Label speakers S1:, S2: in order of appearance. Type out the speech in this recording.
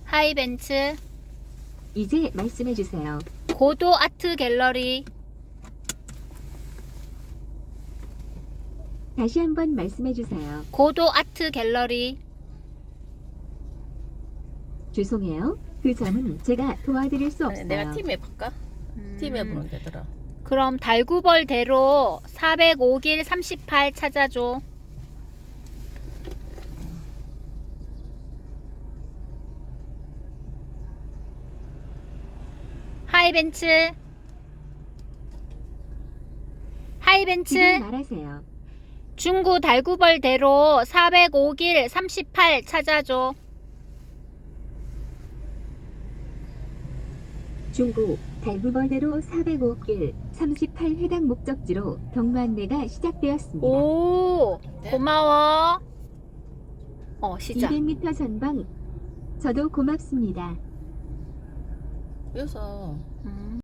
S1: 하이벤츠.
S2: 이제 말씀해 주세요.
S1: 고도 아트 갤러리.
S2: 다시 한번 말씀해 주세요.
S1: 고도 아트 갤러리.
S2: 죄송해요. 그 점은 제가 도와드릴 수 없어요.
S3: 내가 팀 해볼까? 팀 해보면 되더라.
S1: 그럼 달구벌대로 405길 38 찾아줘. 하이벤츠. 하이벤츠.
S2: 지금 말하세요.
S1: 중구 달구벌대로 405길 38 찾아줘.
S2: 중구 달구벌대로 405길 38 해당 목적지로 경로 안내가 시작되었습니다.
S1: 오, 고마워. 시작.
S2: 200m 전방. 저도 고맙습니다.
S3: 여기서